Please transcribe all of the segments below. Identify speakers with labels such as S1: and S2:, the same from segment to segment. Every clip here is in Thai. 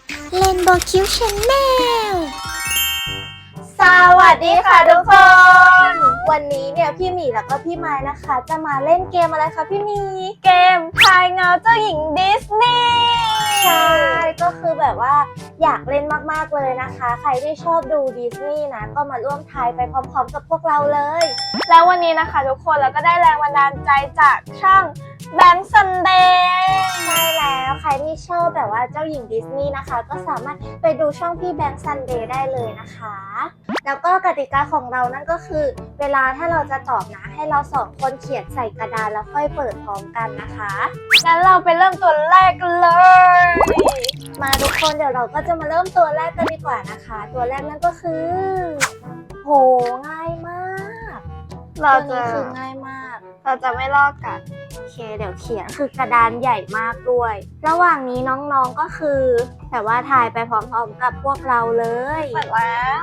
S1: เล่นโบคิวชาแนล
S2: สวัสดีค่ะทุกคน วันนี้เนี่ยพี่หมีแล้วก็พี่ไม้นะคะ จะมาเล่นเกมอะไรคะพี่หมีเกมทายเงาเจ้าหญิงดิสนีย์ใช่ก็คือแบบว่าอยากเล่นมากๆเลยนะคะ ใครที่ชอบดูดิสนีย์นะก็มาร่วมทายไปพร้อมๆกับพวกเราเลยแล้ววันนี้นะคะทุกคนเราก็ได้แรงบันดาลใจจากช่องแบงค์ซันเดย์ใช่แล้วใครที่ชอบแบบว่าเจ้าหญิงดิสนีย์นะคะก็สามารถไปดูช่องพี่แบงค์ซันเดย์ได้เลยนะคะแล้วก็กติกาของเรานั่นก็คือเวลาถ้าเราจะตอบนะให้เราสองคนเขียนใส่กระดานแล้วค่อยเปิดพร้อมกันนะคะงั้นเราไปเริ่มตัวแรกเลยมาทุกคนเดี๋ยวเราก็จะมาเริ่มตัวแรกกันดีกว่านะคะตัวแรกนั่นก็คือโหง่ายมากตัวนี้คือง่ายมากเราจะไม่ลอกกันโอเคเดี๋ยวเขียนคือกระดานใหญ่มากด้วยระหว่างนี้น้องๆก็คือแบบว่าถ่ายไปพร้อมๆกับพวกเราเลยเปิดแล้ว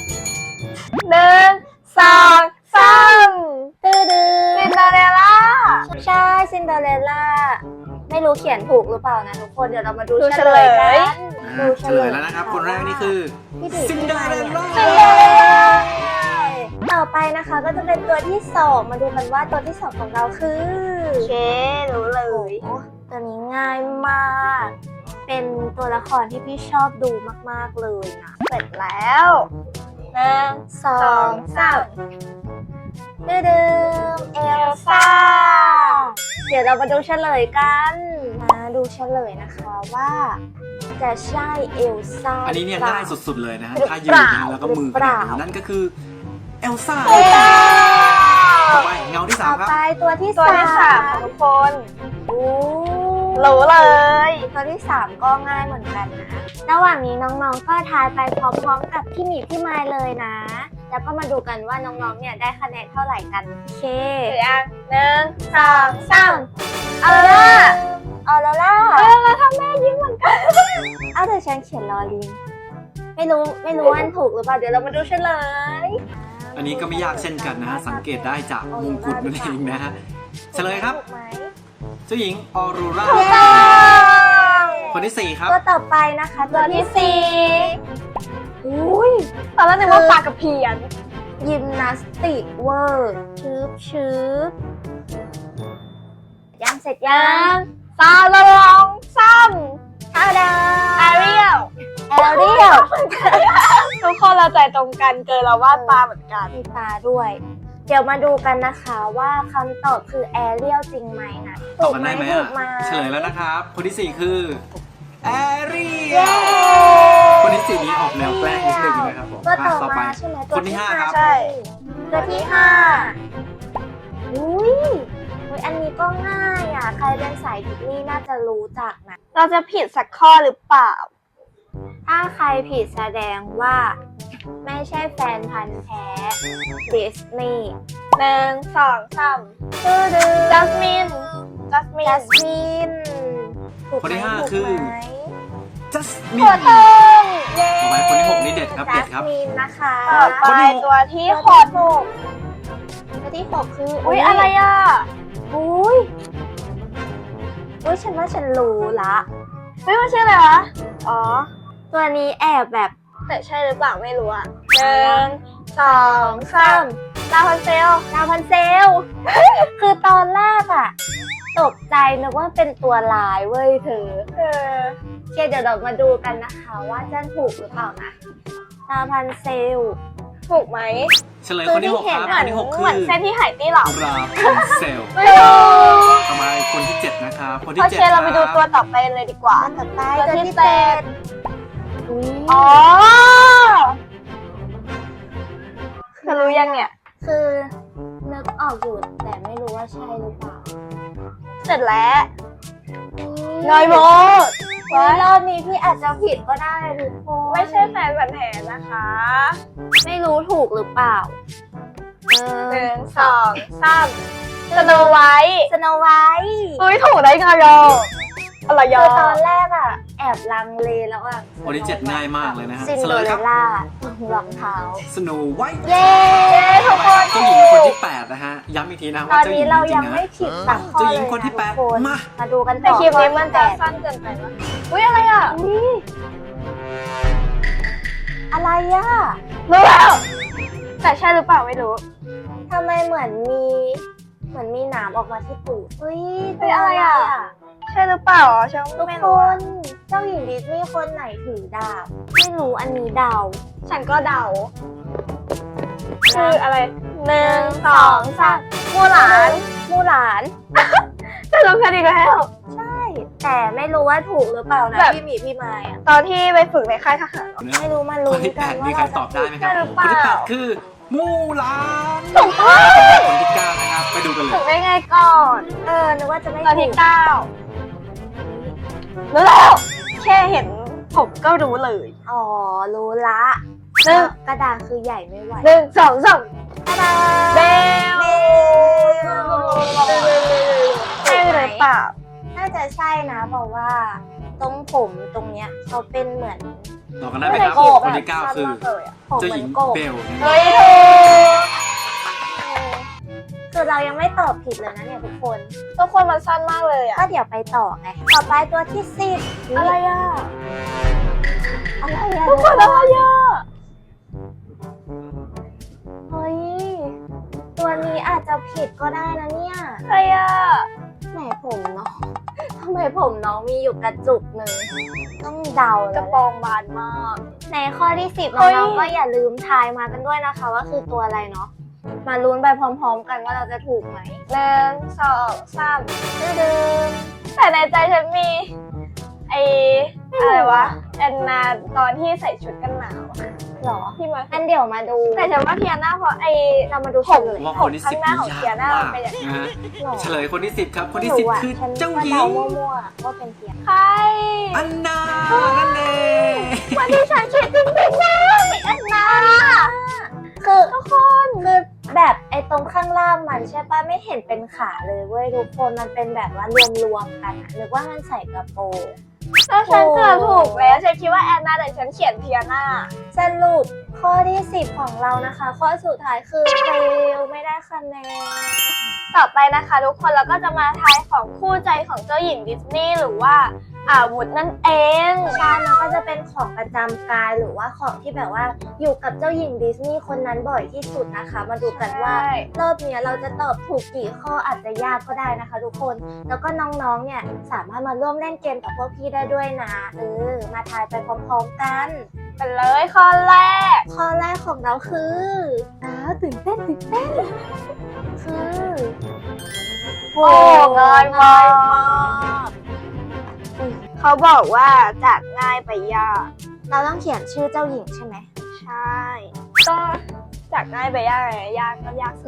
S2: 1 2 3ตื้อซินเดอเรลล่าใช่ซินเดอเรลล่าไม่รู้เขียนถูกหรือเปล่านะทุกคนเดี๋ยวเรามาดูเฉลยกันดูเฉลย
S3: แล้วนะครับคนแรกนี่คือซินเดอเรลล่า
S2: ต่อไปนะคะก็จะเป็นตัวที่2มาดูกันว่าตัวที่2ของเราคือเครู้เลยตัวนี้ง่ายมากเป็นตัวละครที่พี่ชอบดูมากๆเลยนะเสร็จแล้ว1 2 3เดิมเอลซ่าเดี๋ยวเรามาดูเฉลยกันมาดูเฉลยนะคะว่าจะใช่เอลซ่า
S3: อันนี้เนี่ยง่ายสุดๆเลยนะฮะถ้ายืนนะแล้วก็มือขนาดนี้นั่นก็คือเอลซ่าต่อไปเงาที่3ครับ
S2: ต่อไปตัวที่3ทุกคนรู้เลยตัวที่3ก็ง่ายเหมือนกันนะระหว่างนี้น้องๆก็ทายไปพร้อมๆกับพี่หมีพี่ไมล์เลยนะแล้วก็มาดูกันว่าน้องๆเนี่ยได้คะแนนเท่าไหร่กันโอเค1 2 3เอาละแล้วถ้าแม่ยิ้มเหมือนกันเอาแต่ฉันเขียนลอลิงไม่รู้ว่าถูกหรือเปล่าเดี๋ยวเรามาดูเฉลย
S3: อันนี้ก็ไม่ยากเช่นกันนะฮะสังเกตได้จากมงกุฎนั่นเองนะฮะเฉลยครับเจ้าหญิงออโรราคนที่4ครับ
S2: ตัวต่อไปนะคะตัวที่4อุ้ยตอนแรกนึกว่าปากกระเพียนยิมนาสติกเวอร์ชืบยังเสร็จยังตาละลองซ้ำท่าดาแอเรียลทุกคนเราใจตรงกันเกินเราวาดตาเหมือนกันมีตาด้วยเดี๋ยวมาดูกันนะคะว่าคำตอบคือแอเรียลจริงไหมนะ
S3: ตอบกันได้ไหมเฉลยแล้วนะครับคนที่4คือแอเรียลคนที่4นี้ออกแนวแกล้งนิดนึงนะครับผมต่อไปคนที่5ครับ
S2: ตัวที่5อุ้ยอันนี้ก็ง่ายอ่ะใครเป็นสายดิสนีย์น่าจะรู้จักนะเราจะผิดสักข้อหรือเปล่าถ้าใครผิดแสดงว่าไม่ใช่แฟนพันธุ์แท้ดิสนีย์1 2 3จัสมิน
S3: คนที่5คือจัสมิน
S2: ต่อ
S3: ไปคนที่6นี่เด็ดครับเด็ดครับ
S2: จัสมินนะคะ
S3: ต่อไป
S2: ตัวที่6คืออุ้ยอะไรอ่ะอุ้ยฉันว่าฉันรู้ละมันชื่ออะไรวะอ๋อตัวนี้แอบแบบแต่ใช่หรือเปล่าไม่รู้อ่ะ1 2 3ลาพันเซลคือตอนแรกอ่ะตกใจนึกว่าเป็นตัวลายเว้ยเธอเดี๋ยวเรามาดูกันนะคะว่าจะถูกหรือเปล่านะลาพันเซลถูกไหม
S3: เฉลยคนที่6ครับคนที่6คือ
S2: เหมือนเส้นที่หายตี้หรอ
S3: ราพันเซลต่อมาคนที่7นะครับคนที่7
S2: เราไปดูตัวต่อไปเลยดีกว่าตัวที่7อ๋อเธอรู้ยังเนี่ยคือนึกออกอยู่แต่ไม่รู้ว่าใช่หรือเปล่าเสร็จแล้วน้อยโมรอบนี้พี่อาจจะผิดก็ได้ทุกคนไม่ใช่แฟนพันธุ์แท้นะคะไม่รู้ถูกหรือเปล่า1 2 3สโนไวท์ถูกได้ไงอะไรคือตอนแรกอ่ะแอบลังเลแล้วอ่ะ
S3: คนที่7ง่ายมากเลยนะฮะ
S2: ซินเดอเรลล่ารองเท้า
S3: สโนไวท์
S2: เย้ทุกคน
S3: เจ้าหญิงคนที่8นะฮะย้ำอีกทีนะว่าเจ้าหญิงจริงๆนะ
S2: เจ้า
S3: หญิงคนที่8มา
S2: ดูกันต่อคลิปนี้มันจะสั้นเกินไปวะอุ้ยอะไรอ่ะแล้วแต่ใช่หรือเปล่าไม่รู้ทำไมเหมือนมีหนามออกมาที่ตูดเฮ้ยเป็นอะไรอ่ะใช่หรือเปล่าฉันไม่รู้เจ้าหญิงดิสนีย์คนไหนถือดาบไม่รู้อันนี้เดาฉันก็เดาคืออะไร1 2 3มูหลานจะลงกันอีกแล้วใช่แต่ไม่รู้ว่าถูกหรือเปล่านะพี่หมีพี่ไม้อะตอนที่ไปฝึกในค่ายทหารไม่รู้มาลุ้นกันว่าเราจะถูกใช่หรือเปล่า
S3: คนที่8คือมูหลาน
S2: ถูกต้อง
S3: คนที่9นะครับไปดูกันเลย
S2: ถูกได้ไงก่อนนึกว่าจะไม่ตอนที่9รู้แล้วแค่เห็นผมก็รู้เลยอ๋อรู้ละซึ่งกระดาษคือใหญ่ไม่ไหว1 2 3กระดาษเบลใช่หรือเปล่าน่าจะใช่นะเพราะว่าตรงผมตรงเนี้ยเขาเป็นเหมือน
S3: ต่อกันได้ไหมครับคนที่9คือเจ้าหญิงเบล
S2: เฮ้ยคือเรายังไม่ตอบผิดเลยนะเนี่ยทุกคนมันสั้นมากเลยอ่ะก็เดี๋ยวไปต่อไงต่อไปตัวที่10อะไรอ่ะทุกคนอะไรอ่ะเฮ้ยตัวนี้อาจจะผิดก็ได้นะเนี่ยอะไรอ่ะไหนผมเนาะทำไมผมน้องมีอยู่กระจุกหนึ่งต้องเดาแล้วกระโปรงบานมากในข้อที่10น้องๆก็อย่าลืมทายมากันด้วยนะคะว่าคือตัวอะไรเนาะมาลุ้นไปพร้อมๆกันว่าเราจะถูกไหม1 2 3ดึงแต่ในใจฉันมีอะไรวะแอนนาตอนที่ใส่ชุดกันหนาวหรอที่มาอันเดี๋ยวมาดูแต่ฉันว่าเทียน่าเพราะเรามาดูเฉลย
S3: ว่าคนที่10
S2: ข้างหน้าของเทียน่าเป็นอย่างนี้
S3: เฉลยคนที่10ครับคนที่10คือเจ้าหญิง
S2: มั่วๆว่าเป็นเทียใคร
S3: อันนานั่นเอง
S2: วันที่ฉันคิดจริงๆนะอันนาคือทุกคนคือแบบตรงข้างล่างมันใช่ปะไม่เห็นเป็นขาเลยเว้ยทุกคนมันเป็นแบบว่ารวมๆกันนึกว่ามันใส่กระโปรงแล้วฉันเกือบถูกแล้วฉันคิดว่าแอนนาแต่ฉันเขียนเทียน่าสรุปข้อที่10ของเรานะคะข้อสุดท้ายคือเฟลไม่ได้คะแนนต่อไปนะคะทุกคนเราก็จะมาทายของคู่ใจของเจ้าหญิงดิสนีย์หรือว่าอาวุธนั่นเองใช่มันก็จะเป็นของประจำกายหรือว่าของที่แบบว่าอยู่กับเจ้าหญิงดิสนีย์คนนั้นบ่อยที่สุดนะคะมาดูกันว่ารอบนี้เราจะตอบถูกกี่ข้ออาจจะยากก็ได้นะคะทุกคนแล้วก็น้องๆเนี่ยสามารถมาร่วมเล่นเกมกับพวกพี่ได้ด้วยนะมาทายไปพร้อมๆกันไปเลยข้อแรกของเราคือตื่นเต้นคือโอ้ง่ายมากเขาบอกว่าจากง่ายไปยากเราต้องเขียนชื่อเจ้าหญิงใช่ไหมใช่ก็จากง่ายไปยากไงยากก็ยาก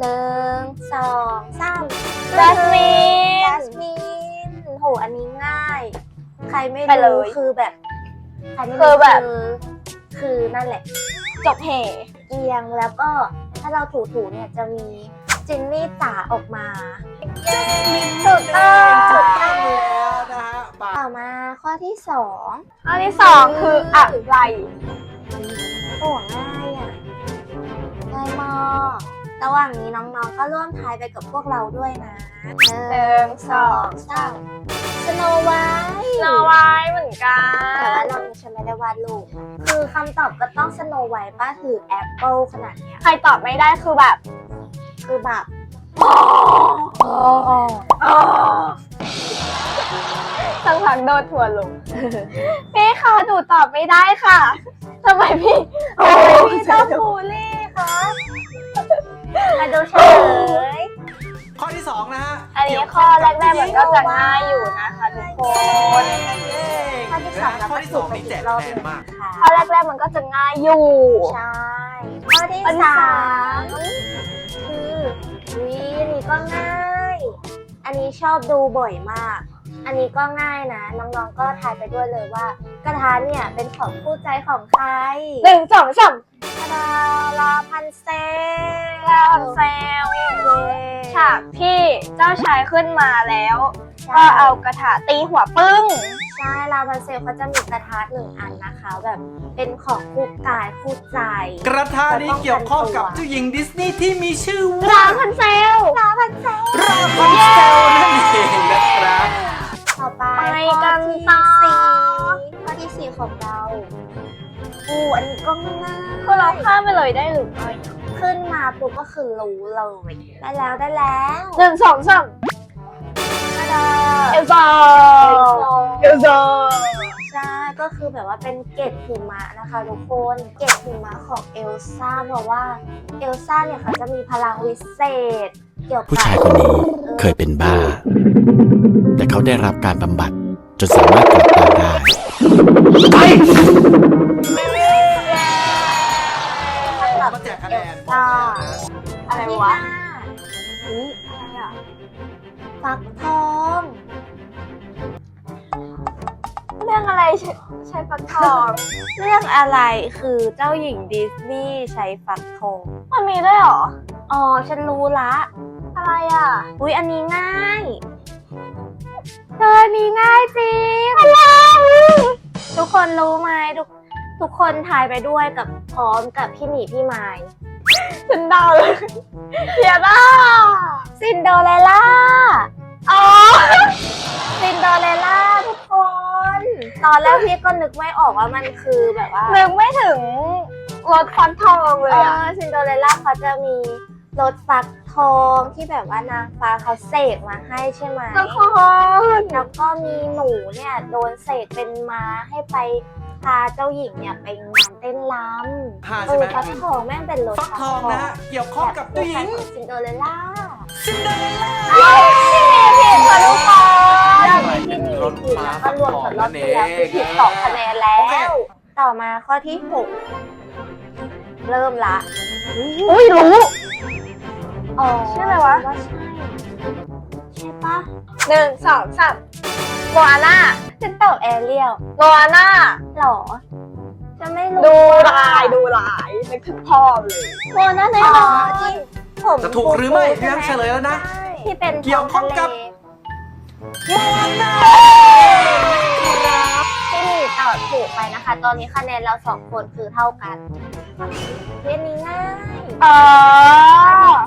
S2: 1 2 3จัสมินโหอันนี้ง่ายใครไม่รู้คือแบบใครไม่รู้คือนั่นแหละจบเหเอียงแล้วก็ถ้าเราถูเนี่ยจะมีจินนี่จ๋าออกมาถูกต้อง
S3: แล้วนะฮะ
S2: ต่อมาข้อที่2คืออะไรโอ้ง่ายอ่ะง่ายมากระหว่างนี้น้องๆก็ร่วมทายไปกับพวกเราด้วยนะ1 2 3สโนไวท์เหมือนกันแต่ว่าเราฉันไม่ได้วาดรูปคือคำตอบก็ต้องสโนไวท์ป้าถือแอปเปิลขนาดเนี้ยใครตอบไม่ได้คือแบบสังหารโดนถั่วลงพี่คะหนูตอบไม่ได้ค่ะทำไมพี่ต้องบูลลี่คะมาดูเฉลย
S3: ข้อที่2นะฮะ
S2: อันนี้ข้อแรกๆมันก็จะง่ายอยู่นะคะทุกคนข้อที่2
S3: ข้อที่2นี่แจกแรงมาก
S2: ข้อแรกๆมันก็จะง่ายอยู่ใช่ข้อที่3คือนี่ก็ง่ายอันนี้ชอบดูบ่อยมากอันนี้ก็ง่ายนะน้องๆก็ทายไปด้วยเลยว่ากระทะเนี่ยเป็นของคู่ใจของใคร1 2 3ลาพันเซลฉากที่เจ้าชายขึ้นมาแล้วก็เอากระทะตีหัวปึ้งใช่ลาพันเซลเขาจะมีกระทะ1อันนะคะแบบเป็นของคู่กายคู่ใจ
S3: กระทะนี้เกี่ยวข้องกับเจ้าหญิงดิสนีย์ที่มีชื่อว่า
S2: ลาพันเซลนั่นเองนะครับต่อไปข้อที่4 ของเราอันนี้ก็ง่าย
S1: คือเราข้ามไปเลยได้หรือไม่
S2: ขึ้นมาปุ๊บก็คือรู้เลยได้แล้ว
S1: 1 2 3 เอลซ่าเอลซ่า
S2: ใช่ก็คือแบบว่าเป็นเกล็ดหิมะนะคะทุกคนเกล็ดหิมะของเอลซ่าเพราะว่าเอลซ่าเนี่ยเขาจะมีพลังวิเศษเกี่ยวกับ
S4: ผู้ชายคนนี้เคยเป็นบ้า แต่เขาได้รับการบำบัดจนสามารถกลับบ้านได้
S3: มาแจกคะแนน
S2: อะไรวะอุ้ยอะไรอ่ะฟักทอง
S1: เรื่องอะไรใช้ฟักทอง
S2: เรื่องอะไรคือเจ้าหญิงดิสนีย์ใช้ฟักทอง
S1: มันมีด้วยเหรอ
S2: อ๋อฉันรู้ละ
S1: อะไรอ่ะ
S2: อุ้ยอันนี้ง่าย
S1: อันนี้ง่ายจริง
S2: ทุกคนรู้ไหมทุกคนทายไปด้วยกับพร้อมกับพี่หมีพี่ไม้
S1: ฉันเดาเลยเทียร่า
S2: ซินโดเรลล่า
S1: อ๋อ
S2: ซินโดเรลล่าทุกคน ตอนแรกพี่ก็นึกไม่ออกว่ามันคือแบบว่า
S1: นึกไม่ถึงรถฟักทองเลยอ่ะ
S2: ซินโดเรลล่าเขาจะมีรถฟักทองที่แบบว่านางฟ้าเขาเสกมาให้ใช่ไหม
S1: ทุกคน
S2: แล้วก็มีหนูเนี่ยโดนเสกเป็นม้าให้ไปพาเจ้าหญิงเนี่ยไปงานเต้นรำ
S3: ผ่านใช่ไหม
S2: ฟักทองแม่งเป็นรถ
S3: ฟักทองนะฮะเกี่ยวข้องกับเจ้าหญิง
S2: ซินโดเรลล่า
S3: ซินเดอเรลล่า
S2: ผิดค่ะทุกคน
S3: เป็
S2: ที่
S3: น
S2: มี
S3: รถ
S2: ผิด
S3: ม้า
S2: แล้วก็รวมกับรอบที่แล้วคือผิด
S3: ฟักทอง
S2: 2 คะแนนแล้
S3: โอเค
S2: ว ต่อมาข้อที่ 6 เริ่มละ
S1: อุ้ยรู้
S2: อ๋อ
S1: ชื่ออะไรวะ
S2: ว่าใช่ใช่ปะ
S1: 1 2 3โมอาน่า
S2: ฉันตอบแอเรียล
S1: โมอาน่า
S2: หรอจะไม่รู้
S1: ดูลายนึกถึงพ่อเลย
S2: โมนาแน่นอนที่ผม
S3: จะถูกหรือไม่พี่แม่เฉลยแล้วนะ
S2: ที่เป็น
S3: เกี่ยวข้องกับ โมนา
S2: ที่มีตอบถูกไปนะคะ ตอนนี้คะแนนเรา2 คนคือเท่ากันเรื่องนี้ง่าย
S1: อ๋อ
S2: ข้อที่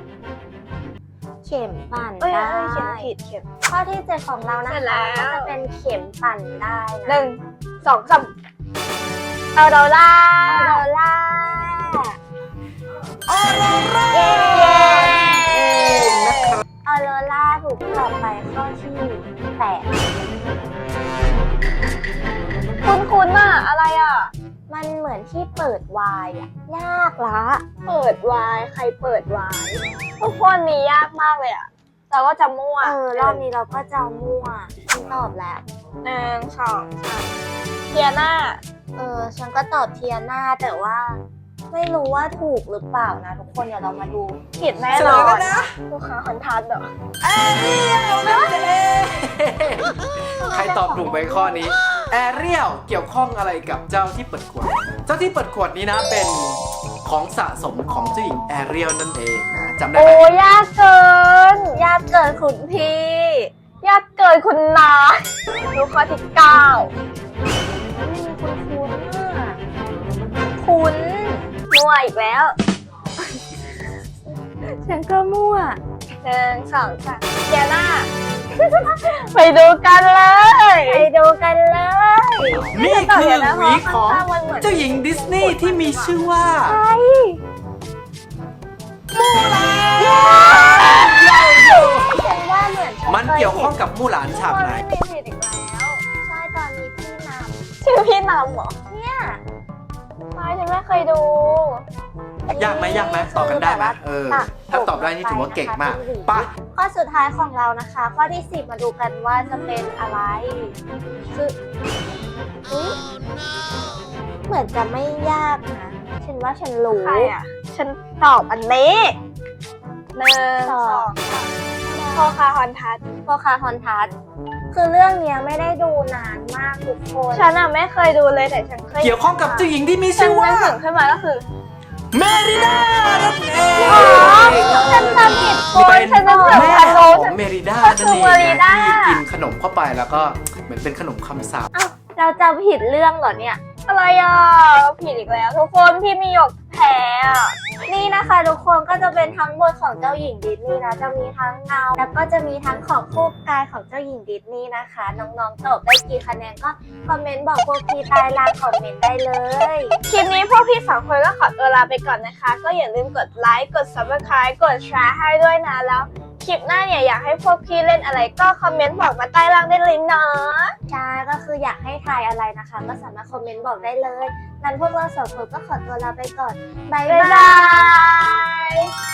S2: 7 เข็มปั่น
S1: เอ้ย
S2: ได้
S1: เขียนผิดเขียน
S2: ข้อที่ 7 ของเรานะ
S1: เสร็จแล้
S2: คะ
S1: ว
S2: ก็จะเป็นเข็มปั่นได้นะ
S1: 1 2 3เอาดอลล่า
S2: ออโรล่า
S3: ออโรรา
S2: เย้
S3: นะครับ
S2: ออโรล่าถูกตอบไปข้อที่ 8
S1: คุ้นๆน่ะอะไรอ่ะ
S2: มันเหมือนที่เปิดวายอะยากละ
S1: เปิดวายใครเปิดวายทุกคนนี้ยากมากเลยอ่ะเราก็จะมั่ว
S2: รอบนี้เราก็จะมั่วฉันตอบแล้ว
S1: 1 2 3เทียน่า
S2: ฉันก็ตอบเทียน่าแต่ว่าไม่รู้ว่าถูกหรือเปล่านะทุกคนเดี๋ยวเรามาดู
S1: ผิดแน่
S3: เฉ
S1: น
S3: ล
S1: อย
S3: แล้ว
S1: น
S3: นะ
S1: ลูกค้าคอนทัสเหรอ
S3: แอเรียลนั่นเองใครตอบถูกไปข้อนี้ แอเรียลเกี่ยวข้องอะไรกับเจ้าที่เปิดขวด เจ้าที่เปิดขวดนี้นะเป็นของสะสมของเจ้าหญิงแอเรียลนั่นเองนะจำได้
S1: โอ้
S3: ไหม
S1: ยากเกิน
S2: ยากเกินคุณพี่
S1: ยากเกินคุณนายลูกค้าที่ 9
S2: คุณ
S1: มั่วอีกแล้ว
S2: ฉันก็มั่ว
S1: 1 2 3เทียน่า ไปดูกันเลย
S2: ไปดูกันเลย
S3: นี่คือหวีของ
S1: ข้างๆมันเหมือน
S3: เจ้าหญิงดิสนีย์ที่มีชื่อว่า
S2: ฉันว่าเหมือนฉั
S3: มันเกี่ยวข้องกับมู่หลานฉากไหน
S1: ไม่ผิดอีกแล้ว
S2: ใช่ตอนนี้พี่น
S1: ชื่อพี่นำเหรอ
S2: ำเนี่ย
S1: ไม่ฉันไม่เคยดู
S3: ยากไหมตอบกันได้ไหมถ้าตอบได้นี่ถือว่าเก่งมากไป่ะ
S2: ข้อสุดท้ายของเรานะคะ ข้อที่ 10 มาดูกันว่าจะเป็นอะไรคืออุ๊ยเหมือนจะไม่ยากนะฉันว่าฉันรู้
S1: ใครอ่ะ ฉันตอบอันนี้1
S2: สอง
S1: 2 3พ่อคาฮอนทัส
S2: โปคาฮอนทัสคือเรื่องเนี้ยไม่ได้ดูนานมากทุกคน
S1: ฉันอ่ะไม่เคยดูเลยแต่ฉันเคย
S3: เกี่ยวข้องกับเจ้าหญิงที่มี
S1: ฉั
S3: ชื่
S1: น
S3: อว่า
S1: นึกถึงขึ้นมาก็คือ
S3: เมริดานั่นเอง
S1: อ๋อฉันจำผิดคน
S3: เป็น
S1: ฉันนึกถึง
S3: แม่
S1: ฮัลโหล
S3: ข
S1: ฉั
S3: อน งเมริดา
S1: ก็
S3: นั่
S1: คื
S3: น
S1: อ
S3: เอง
S1: เมริ
S3: นะ
S1: ดา
S3: ที่กินขนมเข้าไปแล้วก็เหมือนเป็นขนมคำสาป
S2: อ้าวเราจำผิดเรื่องเหรอเนี่ย
S1: อะไรอ่ะผิดอีกแล้วทุกคนพี่มีหยกแพ้อ่ะ
S2: นี่นะคะทุกคนก็จะเป็นทั้งหมดของเจ้าหญิงดิสนีย์นะจะมีทั้งเงาแล้วก็จะมีทั้งของคู่กายของเจ้าหญิงดิสนีย์นะคะ น้องๆตอบได้กี่คะแนนก็คอมเมนต์บอกพวกพี่ใต้ล่างคอมเมนต์ได้เลย
S1: คลิปนี้พวกพี่สองคนก็ขอตัวลาไปก่อนนะคะ ก็อย่าลืมกดไลค์กด subscribe กดแชร์ให้ด้วยนะแล้วคลิปหน้าเนี่ยอยากให้พวกพี่เล่นอะไรก็คอมเมนต์บอกมาใต้ล่างได้เลยนะ
S2: ใช่ก็คืออยากให้ทายอะไรนะคะ ก็สามารถคอมเมนต์บอกได้เลยงั้นพวกเราสองคนก็ขอตัวลาไปก่อนบ๊าย
S1: บ๊าย
S2: บา
S1: บาย ย